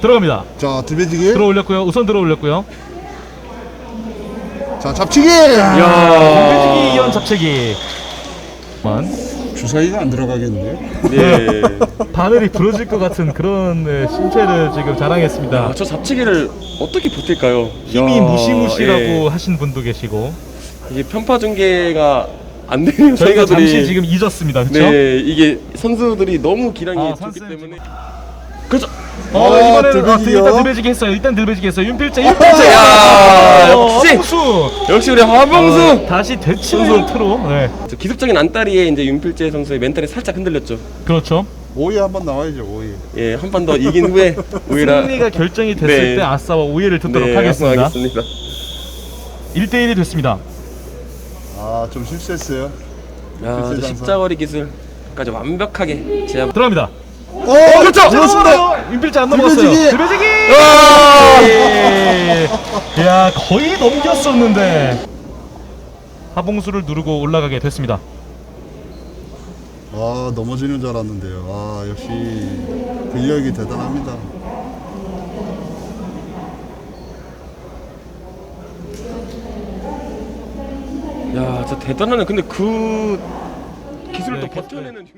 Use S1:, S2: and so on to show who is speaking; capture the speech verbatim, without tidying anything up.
S1: 들어갑니다.
S2: 자, 들배지기.
S1: 들어 올렸고요. 우선 들어 올렸고요.
S2: 자, 잡치기.
S1: 들배지기 이연 잡채기. 만
S2: 주사위가 안 들어가겠는데.
S3: 네.
S1: 바늘이 부러질 것 같은 그런 네, 신체를 지금 자랑했습니다.
S3: 아, 저 잡채기를 어떻게 버틸까요?
S1: 힘이
S3: 야,
S1: 무시무시라고
S3: 예.
S1: 하신 분도 계시고
S3: 이게 편파 중계가 안 되는
S1: 저희가
S3: 선수들이
S1: 잠시 지금 잊었습니다. 그렇죠?
S3: 네, 이게 선수들이 너무 기량이
S1: 아,
S3: 좋기
S1: 선수는
S3: 때문에 그렇죠.
S1: 어,
S2: 아,
S1: 이번에는 아,
S2: 들배지기요?
S1: 일단 들배지기 했어요. 일단 들배지기 했어요. 윤필재, 윤필재.
S3: 야,
S1: 어,
S3: 역시!
S1: 하봉수.
S3: 역시 우리 하봉수.
S1: 다시 되치는 트로. 네,
S3: 저 기습적인 안따리에 이제 윤필재 선수의 멘탈이 살짝 흔들렸죠.
S1: 그렇죠.
S2: 오이 한번 나와야죠, 오이.
S3: 예, 한 판 더 이긴 후에 오히려
S1: 승리가 결정이 됐을
S3: 네.
S1: 때 아싸와 오해를 듣도록
S3: 네,
S1: 하겠습니다.
S3: 하겠습니다.
S1: 일 대 일이 됐습니다.
S2: 아, 좀 실수했어요.
S3: 야, 저
S2: 장사.
S3: 십자거리 기술까지 완벽하게 제압.
S1: 들어갑니다.
S2: 어, 그렇죠. 그렇습니다.
S1: 윤필재 안
S2: 들배지기.
S1: 넘어갔어요. 들배지기.
S3: 아!
S1: 예. 야, 거의 넘겼었는데 하봉수를 누르고 올라가게 됐습니다.
S2: 아, 넘어지는 줄 알았는데요. 아, 역시 근력이 대단합니다.
S3: 야, 진짜 대단하네. 근데 그 기술을
S1: 네,
S3: 또 버텨내는.